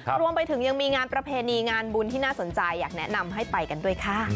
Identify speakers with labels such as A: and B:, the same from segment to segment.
A: รวมไปถึงยังมีงานประเพณีงานบุญที่น่าสนใจอยากแนะนำให้ไปกันด้วยค่ะ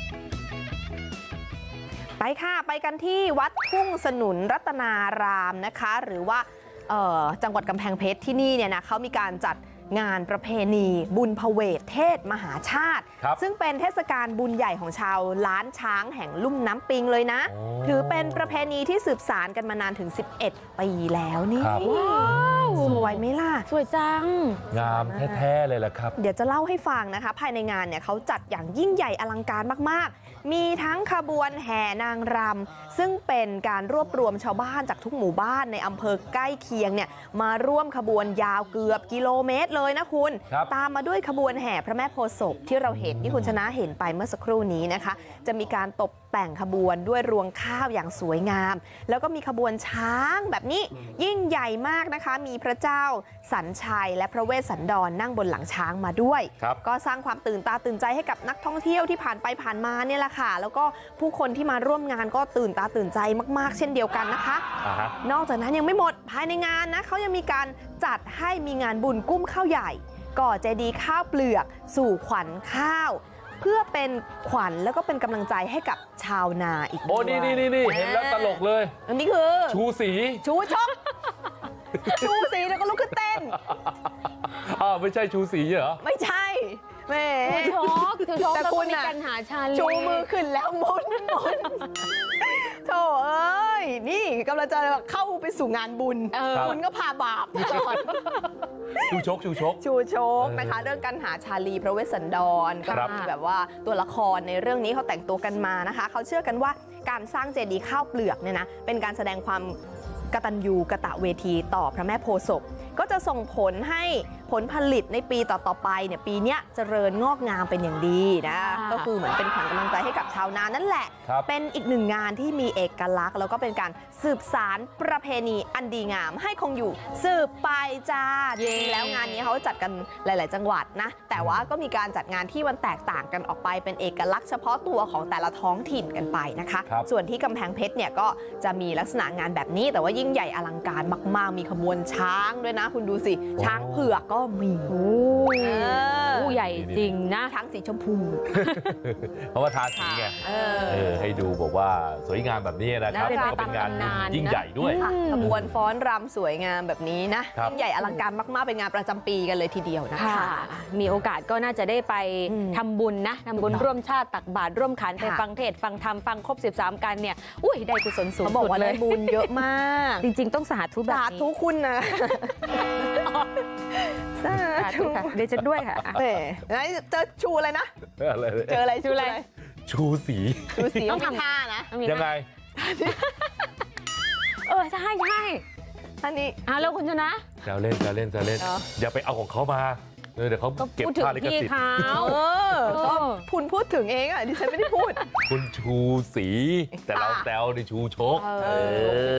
A: ไปค่ะไปกันที่วัดทุ่งสนุนรัตนารามนะคะหรือว่าจังหวัดกำแพงเพชรที่นี่เนี่ยนะเขามีการจัดงานประเพณีบุญพเวทเทศมหาชาติซึ่งเป็นเทศกาลบุญใหญ่ของชาวล้านช้างแห่งลุ่มน้ำปิงเลยนะถือเป็นประเพณีที่สืบสานกันมานานถึง11 ปีแล้วนี่สวยไหมล่ะ
B: สวยจัง
C: งามแท้ๆเลยแหละครับ
A: เดี๋ยวจะเล่าให้ฟังนะคะภายในงานเนี่ยเขาจัดอย่างยิ่งใหญ่อลังการมากๆมีทั้งขบวนแห่นางรำซึ่งเป็นการรวบรวมชาวบ้านจากทุกหมู่บ้านในอำเภอใกล้เคียงเนี่ยมาร่วมขบวนยาวเกือบกิโลเมตรเลยนะคุณตามมาด้วยขบวนแห่พระแม่โพธิ์ศพที่เราเห็นที่คุณชนะเห็นไปเมื่อสักครู่นี้นะคะจะมีการตกแต่งขบวนด้วยรวงข้าวอย่างสวยงามแล้วก็มีขบวนช้างแบบนี้ยิ่งใหญ่มากนะคะมีพระเจ้าสัญชัยและพระเวสสันดรนั่งบนหลังช้างมาด้วยก็สร้างความตื่นตาตื่นใจให้กับนักท่องเที่ยวที่ผ่านไปผ่านมาเนี่ยแหละค่ะแล้วก็ผู้คนที่มาร่วมงานก็ตื่นตาตื่นใจมากๆเช่นเดียวกันนะคะนอกจากนั้นยังไม่หมดภายในงานนะเขายังมีการจัดให้มีงานบุญกุ้มข้าวใหญ่ก่อเจดีย์ข้าวเปลือกสู่ขวัญข้าวเพื่อเป็นขวัญแล้วก็เป็นกำลังใจให้กับชาวนาอีกด้วย
C: โอ้นี่เห็นแล้วตลกเลย
A: อันนี้คือ
C: ชูสี
A: ชูชกชูสีแล้วก็ลุกขึ้นเต้น
C: ไม่ใช่ชูสีเหรอ
A: ไม่ใช่แม่
B: ชูชกแต่คุณมีกันหาชาลี
A: ชูมือขึ้นแล้วมุนโธ่เอ้ยนี่กำลังจะเข้าไปสู่งานบุญคุณก็พาบาป
C: ชูชก
A: นะคะเรื่องการหาชาลีพระเวสสันดรก็มีแบบว่าตัวละครในเรื่องนี้เขาแต่งตัวกันมานะคะเขาเชื่อกันว่าการสร้างเจดีย์ข้าวเปลือกเนี่ยนะเป็นการแสดงความกตัญญูกตเวทีต่อพระแม่โพธิ์ศพก็จะส่งผลให้ผลผลิตในปีต่อๆไปเนี่ยปีนี้เจริญงอกงามเป็นอย่างดีนะก็คือเหมือนเป็นขวัญกำลังใจให้กับชาวนานั่นแหละเป็นอีกหนึ่งงานที่มีเอกลักษณ์แล้วก็เป็นการสืบสานประเพณีอันดีงามให้คงอยู่สืบไปจ้าจริงแล้วงานนี้เขาจัดกันหลายๆจังหวัดนะแต่ว่าก็มีการจัดงานที่มันแตกต่างกันออกไปเป็นเอกลักษณ์เฉพาะตัวของแต่ละท้องถิ่นกันไปนะคะส่วนที่กำแพงเพชรเนี่ยก็จะมีลักษณะงานแบบนี้แต่ว่ายิ่งใหญ่อลังการมากๆมีขบวนช้างด้วยนะคุณดูสิช้างเผือกก็มี
B: ใหญ่จริงนะ
A: ช้างสีชมพู
C: เพราะว่าทาสีไงให้ดูบอกว่าสวยงามแบบนี้นะครับก็เป็นงานยิ่งใหญ่ด้วย
A: ขบวนฟ้อนรำสวยงามแบบนี้นะยิ่งใหญ่อลังการมากๆเป็นงานประจำปีกันเลยทีเดียวนะคะ
B: มีโอกาสก็น่าจะได้ไปทำบุญนะทำบุญร่วมชาติตักบาตรร่วมขันไปฟังเทศฟังธรรมฟังครบ13กันเนี่ยได้กุศลสูงสุดเลย
A: บุญเยอะมาก
B: จริงๆต้องสาธุแบบนี้
A: สาธุคุณนะ
B: สาธุค่ะเดี๋ยวจะด้วยค่ะ
A: เจอชูอะไรนะเจออะไร
C: ชูสี
A: ต้องทำท่านะ
C: ยังไง
B: ใช่
A: ท่านนี้
B: แล้วคุณชนะ
C: แซวเล่นอย่าไปเอาของเขามาเดี๋ยวเขาเก็บค่าลิขสิทธิ์
A: คุณพูดถึงเองดิฉันไม่ได้พูด
C: คุณชูสีแต่เราแซวในชูชก